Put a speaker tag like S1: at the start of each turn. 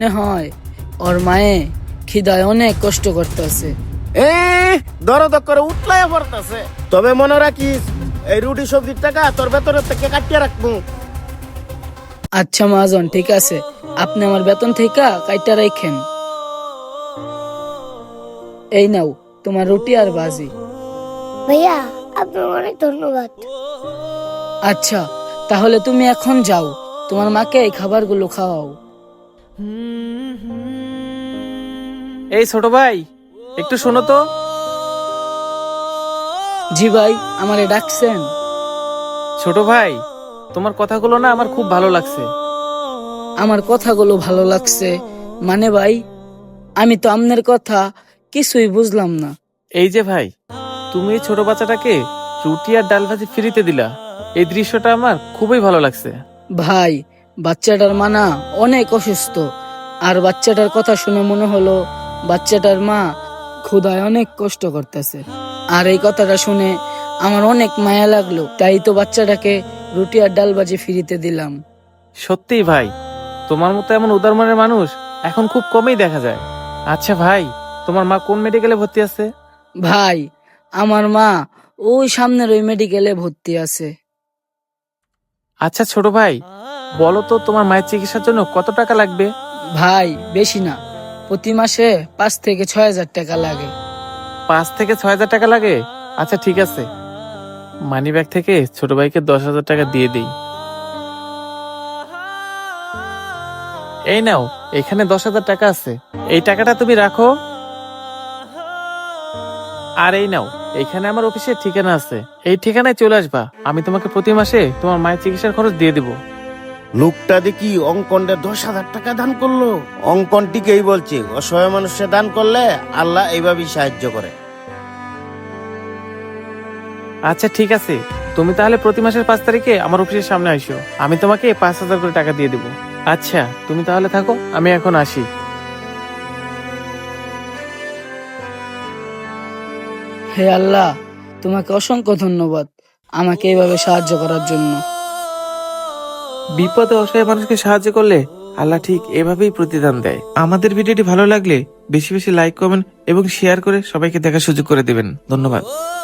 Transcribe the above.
S1: মনে হয় ওর মায়ে খিদায় অনেক কষ্ট করতেছে।
S2: দরদ করে উঠলায় পড়তেছে। তবে মনে রাখিস, এই রুটি সবজির টাকা তোর বেতনের থেকে কাটিয়ে রাখবো।
S1: আচ্ছা মহাজন, ঠিক আছে, আপনি আমার বেতন থেকে কাইটা রাখেন। এই নাও তোমার রুটি আর বাজি।
S3: ভাইয়া, আপনার অনেক ধন্যবাদ।
S1: আচ্ছা, তাহলে তুমি এখন যাও, তোমার মাকে এই খাবারগুলো খাওয়াও।
S4: এই ছোট ভাই, একটু শোনো তো।
S1: জি ভাই, আমারে ডাকছেন?
S4: ছোট ভাই, তোমার কথাগুলো না আমার খুব ভালো লাগছে।
S1: আমার কথাগুলো ভালো লাগছে মানে ভাই, আমি তো আপনার কথা কিছুই বুঝলাম না।
S4: এই যে ভাই, তুমি এই ছোট বাচ্চাটাকে রুটি আর ডাল ভাজি ফ্রিতে দিলা, এই দৃশ্যটা আমার খুবই ভালো লাগছে।
S1: ভাই, বাচ্চাটার মা না অনেক অসুস্থ, আর বাচ্চাটার কথা শুনে মনে হলো বাচ্চাটার মা ক্ষুধায় অনেক কষ্ট করতেছে। আর এই কথাটা শুনে আমার অনেক মায়া লাগলো, তাই তো বাচ্চাটাকে রুটি আর ডাল ভাজি ফ্রিতে দিলাম।
S4: সত্যিই ভাই, তোমার মতো এমন উদার মনের মানুষ এখন খুব কমই দেখা যায়। আচ্ছা ভাই, তোমার মা কোন মেডিকেলে ভর্তি আছে?
S1: ভাই, আমার মা ওই সামনের ওই মেডিকেলে ভর্তি আছে।
S4: আচ্ছা ছোট ভাই, বলো তো তোমার মায়ের চিকিৎসার জন্য কত টাকা লাগবে?
S1: ভাই, বেশি না, প্রতি মাসে 5 থেকে 6 হাজার টাকা লাগে।
S4: 5 থেকে 6 হাজার টাকা লাগে? আচ্ছা ঠিক আছে, মানি ব্যাগ থেকে ছোট ভাইকে 10,000 টাকা দিয়ে দিই। এই নাও, এখানে 10,000 টাকা আছে, এই টাকাটা তুমি রাখো। আর এই নাও, এখানে আমার অফিসের ঠিকানা আছে, এই ঠিকানায় চলে আসবা, আমি তোমাকে প্রতি মাসে তোমার মায়ের চিকিৎসার খরচ দিয়ে দিব।
S2: লোকটা দেখি অঙ্কনটা 10,000 টাকা দান করলো। অঙ্কন টিকেই বলছে, অসহায় মানুষে দান করলে আল্লাহ এইভাবেই সাহায্য করে।
S4: আচ্ছা ঠিক আছে, তুমি তাহলে প্রতি মাসের 5 তারিখে আমার অফিসের সামনে আইসো, আমি তোমাকে 5,000 করে টাকা দিয়ে দেবো। আচ্ছা তুমি তাহলে থাকো, আমি এখন আসি।
S1: হে আল্লাহ, তোমাকে অসংখ্য ধন্যবাদ আমাকে এইভাবে সাহায্য করার জন্য।
S4: বিপদে অসহায় মানুষকে সাহায্য করলে আল্লাহ ঠিক এভাবেই প্রতিদান দেয়। আমাদের ভিডিওটি ভালো লাগলে বেশি বেশি লাইক, কমেন্ট এবং শেয়ার করে সবাইকে দেখার সুযোগ করে দিবেন। ধন্যবাদ।